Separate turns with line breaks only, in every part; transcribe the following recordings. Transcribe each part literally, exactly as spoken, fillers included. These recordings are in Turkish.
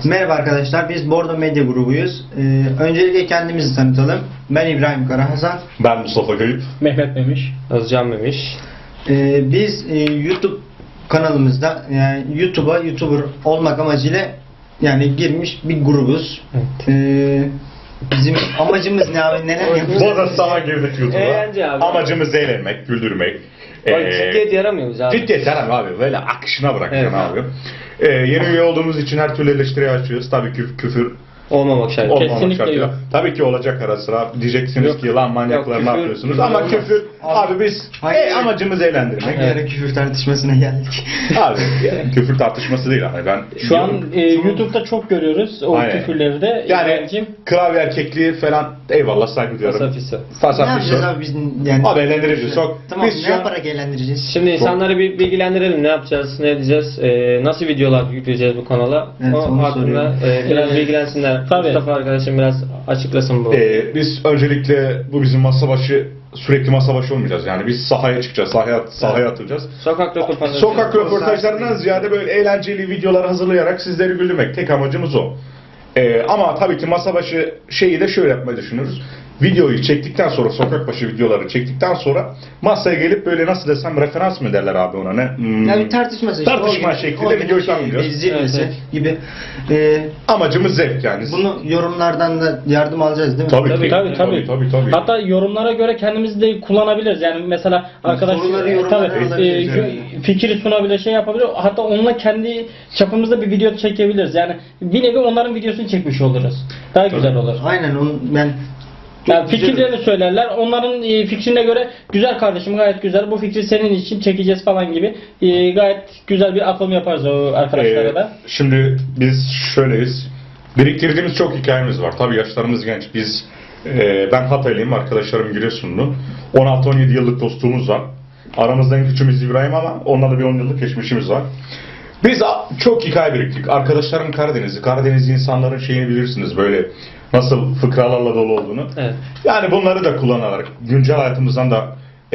Merhaba arkadaşlar, biz Bordo Medya grubuyuz. Ee, öncelikle kendimizi tanıtalım. Ben İbrahim Karahasan.
Ben Mustafa Kayıp.
Mehmet Memiş.
Özcan Memiş.
Ee, biz e, YouTube kanalımızda, yani YouTube'a YouTuber olmak amacıyla yani girmiş bir grubuz.
Evet.
Ee, bizim amacımız ne abi? Neler yapacağız?
Bodoslama girdik YouTube'a.
Eğlence abi.
Amacımız eğlenmek, güldürmek.
Bak
Ee,
ciddiyet yaramıyoruz abi.
Ciddiyet yaramıyor abi. Böyle akışına bırakacaksın
Evet.
abi. Ee, yeni üye olduğumuz için her türlü eleştiriye açıyoruz. Tabii ki küfür
Olmamak şartıyla.
olmamak
Kesinlikle
şartıyla.
yok.
Tabii ki olacak ara sıra. Diyeceksiniz
Yok.
ki lan manyaklar
Yok,
ne
küfür-
yapıyorsunuz?
küfür
Ama
olmaz.
küfür abi, biz
Hayır.
e, amacımız eğlendirmek.
Bir ara küfür tartışmasına geldik.
Abi yani küfür tartışması değil abi. Ben
Şu an
diyorum,
e, YouTube'da çok görüyoruz o
Aynen.
küfürleri de.
yani
İbrahim'cim.
klavye erkekliği falan eyvallah saygı duyuyorum.
Fasafisi.
Ne
Fasafisi.
yapacağız abi biz yani?
Abi eğlendireceğiz. Çok-
Tamam,
biz
ne
şu an-
yaparak eğlendireceğiz?
Şimdi insanları bir bilgilendirelim. Ne yapacağız, ne edeceğiz, e, nasıl videolar yükleyeceğiz bu kanala.
Evet,
o
onu
hakkında
soruyorum.
e, biraz
Ee,
bilgilensinler.
tabii.
Mustafa arkadaşım biraz açıklasın bu.
Ee, biz öncelikle bu bizim masa başı sürekli masa başı olmayacağız. Yani biz sahaya çıkacağız, sahaya sahaya atılacağız.
Sokak röportajları.
Sokak röportajlarından ziyade böyle eğlenceli videolar hazırlayarak sizleri güldürmek. Tek amacımız o. Ee, ama tabii ki masa başı şeyi de şöyle yapmayı düşünüyoruz. Videoyu çektikten sonra, sokak başı videoları çektikten sonra masaya gelip böyle nasıl desem referans mı derler abi ona ne? Hmm.
Yani bir tartışması işte.
Tartışma
O gibi-
şeklinde
o gibi
videoyu
bir şey,
tanımlıyoruz.
bir zirvesi
Evet,
gibi. Ee,
Amacımız zevk yani.
bunu yorumlardan da yardım alacağız değil mi?
Tabii,
Tabii
ki.
tabii tabii.
tabii, tabii.
Hatta yorumlara göre kendimizi de kullanabiliriz. Yani mesela arkadaş
Soruları,
e,
yorumları
tabii,
alabiliriz
e,
yani.
fikir sunabilir, şey yapabilir. Hatta onunla kendi çapımızda bir video çekebiliriz. Yani bir nevi onların videosunu çekmiş oluruz. Daha güzel olur.
Aynen onu ben çok
Yani
güzel-
fikirlerini söylerler. Onların e, fikrine göre güzel kardeşim, gayet güzel. Bu fikri senin için çekeceğiz falan gibi. E, gayet güzel bir atılım yaparız o arkadaşlara
Ee,
da.
Şimdi biz şöyleyiz. Biriktirdiğimiz çok hikayemiz var. Tabii yaşlarımız genç. Biz e, ben Hataylıyım, arkadaşlarım Giresunlu. on altı on yedi yıllık dostluğumuz var. Aramızda en küçüğümüz İbrahim ama onunla da bir on yıllık geçmişimiz var. Biz a- çok hikaye biriktirdik. Arkadaşlarım Karadenizli. Karadeniz insanların şeyini bilirsiniz böyle nasıl fıkralarla dolu olduğunu.
Evet.
Yani bunları da kullanarak güncel hayatımızdan da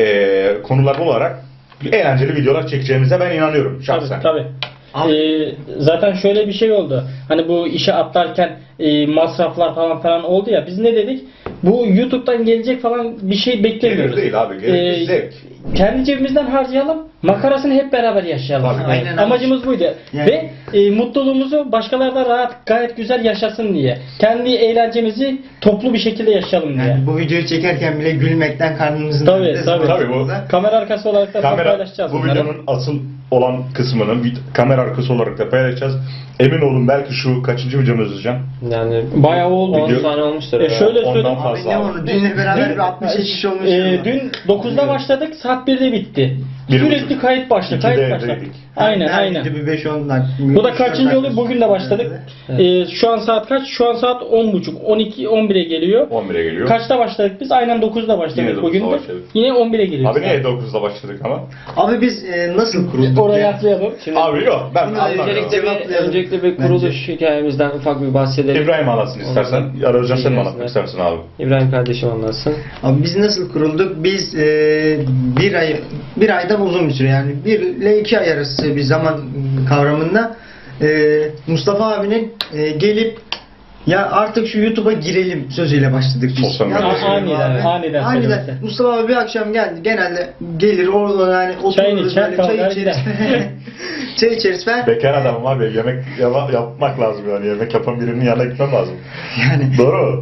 e, konular bularak eğlenceli videolar çekeceğimize ben inanıyorum şahsen.
Tabii tabii. Ee, zaten şöyle bir şey oldu. Hani bu işe atlarken e, masraflar falan falan oldu ya. Biz ne dedik? Bu YouTube'dan gelecek falan bir şey beklemiyoruz.
Gelir değil abi, gelir
Ee,
zevk.
Kendi cebimizden harcayalım. Makarasını hep beraber yaşayalım.
Tabii.
Aynen abi.
Amacımız buydu.
Yani-
Ve e, mutluluğumuzu başkaları da rahat, gayet güzel yaşasın diye. Kendi eğlencemizi toplu bir şekilde yaşayalım diye.
Yani bu videoyu çekerken bile gülmekten karnımızın
Tabii,
önünde
tabii.
Tabii bu-
Kamera arkası olarak da
Kamera,
paylaşacağız
bu
bunları.
videonun asıl olan kısmını vid- kamera arkası olarak da paylaşacağız. Emin olun belki şu kaçıncı videomuz Özcan?
Yani
Bayağı oldu.
on
Video-
tane olmuştur.
E,
herhalde.
şöyle
Ondan
söyleyeyim.
Abi
fazla
ne
abi.
onu? Dünle beraber bir altmış yetmiş olmuş.
e, dün dokuzda başladık, saat birde bitti.
Bir
Sürekli
buçuk.
kayıt başladı,
İkide
kayıt başladı.
evdeydik.
Aynen aynen.
Bir beş on dakika.
Bu da kaçıncı oluyor? Bugün de başladık.
Evet.
E, şu an saat kaç? Şu an saat on buçuk, on iki, on bire geliyor.
on bire geliyor.
Kaçta başladık biz? Aynen dokuzda başladık
Yine
bugün de.
dokuzda başladık.
Yine on bire geliyoruz.
Abi niye dokuzda başladık ama?
Abi biz e, nasıl kurulduk?
Oraya
ya?
atlayalım.
Şimdi
Abi yok ben
Bunu
anlamıyorum.
öncelikle bir,
Cevaplayalım.
öncelikle bir kuruluş hikayemizden ufak bir bahsedelim.
İbrahim anlatsın istersen.
Ondan-
Ya da Özcan sen mi
İyi
anlatmak
gelsinler.
istersin abi?
İbrahim kardeşim anlatsın.
Abi biz nasıl kurulduk? Biz e, bir ay bir aydan uzun bir süre yani bir ile iki ay arası bir zaman kavramında e, Mustafa abinin e, gelip ya artık şu YouTube'a girelim sözüyle başladık biz.
Sosyal
Yanlış
medya.
söylüyorum
Aniden,
abi.
aniden
Aniden.
söylemesi.
Mustafa abi bir akşam geldi. Genelde gelir orada yani
Çayını
otururuz
içer,
böyle çay
kalkar
içeriz.
gider.
Çay içeriz falan.
Bekar adamım abi yemek yapa- yapmak lazım yani yemek yapan birinin yanına gitmem lazım.
Yani
Doğru.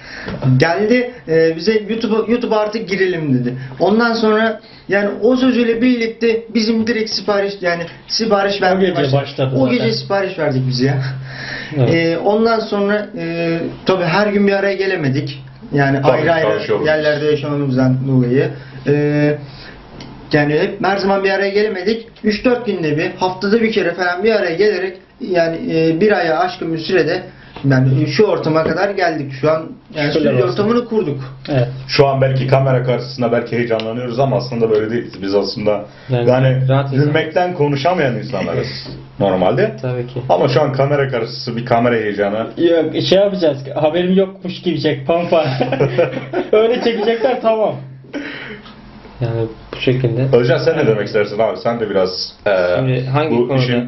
geldi e, bize YouTube'a YouTube'a artık girelim dedi. Ondan sonra yani o sözüyle birlikte bizim direkt sipariş yani sipariş vermeye
gece
başladık.
başladı
O
zaten.
gece sipariş verdik biz ya.
Evet.
E, ondan sonra e, tabii her gün bir araya gelemedik. Yani
Tabii,
ayrı ayrı
çalışıyoruz.
yerlerde yaşamamızdan dolayı. E, yani hep her zaman bir araya gelemedik. üç dört günde bir, haftada bir kere falan bir araya gelerek yani e, bir aya aşkın bir sürede yani şu ortama kadar geldik. Şu an yani
Şükürler
stüdyo
olsun.
ortamını kurduk.
Evet.
Şu an belki kamera karşısında belki heyecanlanıyoruz ama aslında böyle değiliz. Biz aslında
Yani
yani,
rahat insan.
gülmekten konuşamayan insanlarız normalde.
Tabii ki.
Ama şu an kamera karşısı bir kamera heyecanı.
Yok şey yapacağız. Haberim yokmuş gibi çek pampa. Öyle çekecekler tamam.
Yani bu şekilde.
Özcan sen ne demek istersin abi? Sen de biraz eee
Şimdi hangi
bu
konuda?
işin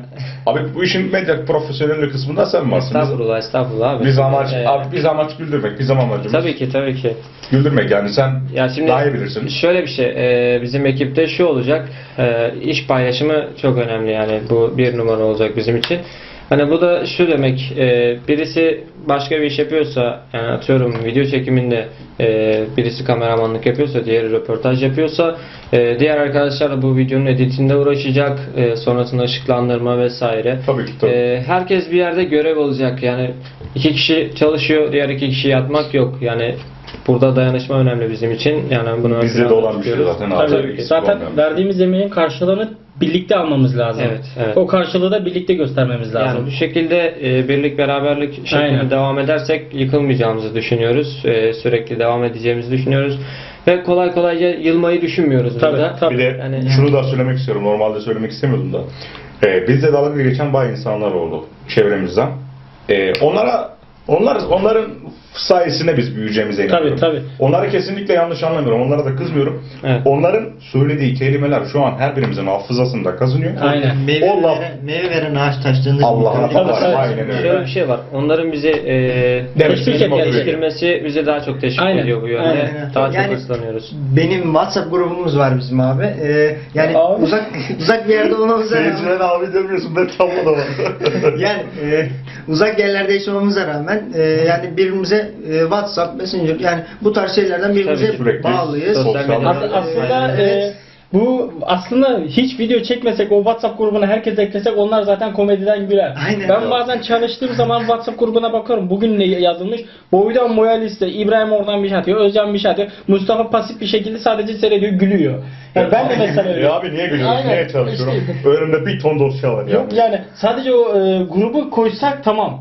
Abi bu işin medya profesyonelliği kısmında sen varsın. Biz-
Estağfurullah, estağfurullah abi.
Biz amaç,
Ee,
abi biz amaç güldürmek, bizim amacımız
Tabii ki, tabii ki.
güldürmek yani sen
Ya şimdi
daha iyi bilirsin.
şöyle bir şey, e, bizim ekipte şu olacak, e, iş paylaşımı çok önemli yani bu bir numara olacak bizim için. Hani bu da şu demek, e, birisi başka bir iş yapıyorsa, yani atıyorum video çekiminde e, birisi kameramanlık yapıyorsa, diğeri röportaj yapıyorsa, e, diğer arkadaşlar da bu videonun editinde uğraşacak, e, sonrasında ışıklandırma vesaire.
Tabii ki, tabii.
E, herkes bir yerde görev alacak yani iki kişi çalışıyor, diğer iki kişi yatmak yok yani. Burada dayanışma önemli bizim için. Yani bunu
Bizde de
önemli
olan bir şey
tutuyoruz.
zaten abi.
Tabii,
Eksik
zaten
olmayan bir şey.
verdiğimiz emeğin karşılığını birlikte almamız lazım.
Evet, evet.
O karşılığı da birlikte göstermemiz lazım.
Yani bu şekilde e, birlik beraberlik şeklinde
Aynen.
devam edersek yıkılmayacağımızı düşünüyoruz. E, sürekli devam edeceğimizi düşünüyoruz. Ve kolay kolayca yılmayı düşünmüyoruz
Tabii,
burada.
tabii.
Bir de
Yani-
şunu da söylemek istiyorum. Normalde söylemek istemiyordum da. Ee, bizde dalga geçen bazı insanlar oldu çevremizden. Ee, onlara onlar onların sayesinde biz büyüyeceğimize inanıyorum.
Tabii, tabii.
Onları kesinlikle yanlış anlamıyorum. Onlara da kızmıyorum.
Evet.
Onların söylediği kelimeler şu an her birimizin hafızasında kazınıyor.
Aynen.
Meyve,
O laf-
veren, meyve veren ağaç taşlarında
Allah'ına
Tabii,
bakar.
tabii.
Aynen öyle.
Şöyle bir şey var. Onların bizi e,
Demesini
Teşvik
motive
etmesi.
ediyor.
geliştirmesi bizi daha çok teşvik
Aynen,
ediyor bu yönde.
aynen.
Daha çok
Yani-
hırslanıyoruz.
Benim WhatsApp grubumuz var bizim abi. Ee, yani
Abi.
uzak uzak bir yerde olmamıza rağmen,
Seyirciler abi demiyorsun. Ben tablo da var.
yani e, uzak yerlerde yaşamamıza rağmen e, yani birbirimize e, WhatsApp, Messenger yani bu tarz şeylerden birbirimize
Tabii ki.
Sürekli
bağlıyız.
sosyal medya-
As- aslında
Evet.
e, bu aslında hiç video çekmesek, o WhatsApp grubuna herkes eklesek onlar zaten komediden güler.
Aynen.
Ben bazen çalıştığım zaman WhatsApp grubuna bakıyorum. Bugün ne yazılmış? Boydan boya liste. İbrahim oradan bir şey atıyor. Özcan bir şey atıyor. Mustafa pasif bir şekilde sadece seyrediyor, gülüyor. Yani ben de mesela öyle.
Ya abi niye gülüyorsun?
Aynen.
Niye çalışıyorum?
İşte.
Önümde bir ton dosya var ya.
Yok yani sadece o e, grubu koysak tamam.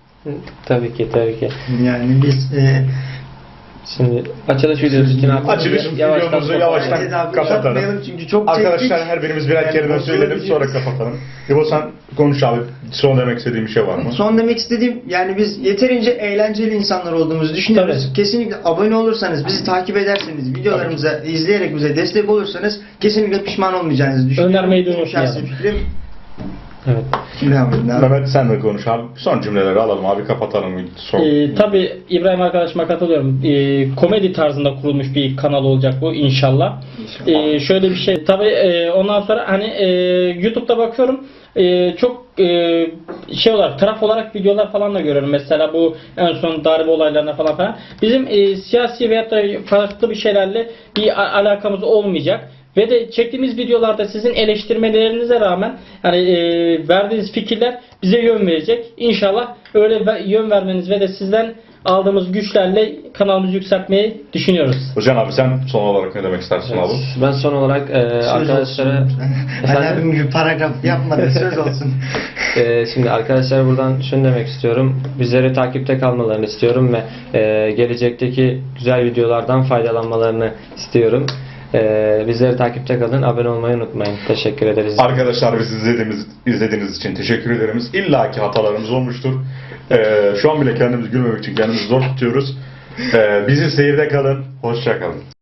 Tabii ki, tabii ki.
Yani biz e,
Şimdi açılış videosu için abi.
Açılış videomuzu yavaştan
Hadi abi,
kapatalım.
uzatmayalım çünkü çok
Arkadaşlar
çektik.
her birimiz birer
Yani
kelime
kontrol
söyleyelim sonra
edeceğiz.
kapatalım. İbo sen konuş abi. Son demek istediğin bir şey var mı?
Son demek istediğim yani biz yeterince eğlenceli insanlar olduğumuzu düşünüyoruz.
Tabii.
Kesinlikle abone olursanız, bizi takip ederseniz, videolarımıza izleyerek bize destek olursanız kesinlikle pişman olmayacağınızı düşünüyorum.
Önermeyi de
Benim
unutmayalım.
şahsi fikrim.
Evet.
Devam edin abi.
Mehmet sen de konuş abi. Son cümleleri alalım abi kapatalım. Son.
Ee, tabii İbrahim arkadaşıma katılıyorum. Ee, komedi tarzında kurulmuş bir kanal olacak bu inşallah. Ee, şöyle bir şey. Tabii e, ondan sonra hani e, YouTube'da bakıyorum. E, çok e, şey olarak, taraf olarak videolar falan da görüyorum. Mesela bu en son darbe olaylarına falan falan. Bizim e, siyasi veyahut da farklı bir şeylerle bir a- alakamız olmayacak. Ve de çektiğimiz videolarda sizin eleştirmelerinize rağmen hani e, verdiğiniz fikirler bize yön verecek. İnşallah öyle ve- yön vermeniz ve de sizden aldığımız güçlerle kanalımızı yükseltmeyi düşünüyoruz.
Hocam abi sen son olarak ne demek istersin
Evet.
abi?
Ben son olarak e,
Söz
arkadaşlara
olsun. Ali
Efendim?
abim gibi paragraf yapmadı, söz olsun.
Ee, şimdi arkadaşlar buradan şunu demek istiyorum. Bizleri takipte kalmalarını istiyorum ve e, gelecekteki güzel videolardan faydalanmalarını istiyorum. E, bizleri takipte kalın. Abone olmayı unutmayın. Teşekkür ederiz.
Arkadaşlar biz izlediğimiz, izlediğiniz için teşekkür ederiz. İlla ki hatalarımız olmuştur. Ee, şu an bile kendimizi gülmemek için kendimizi zor tutuyoruz. Ee, bizi seyirde kalın. Hoşça kalın.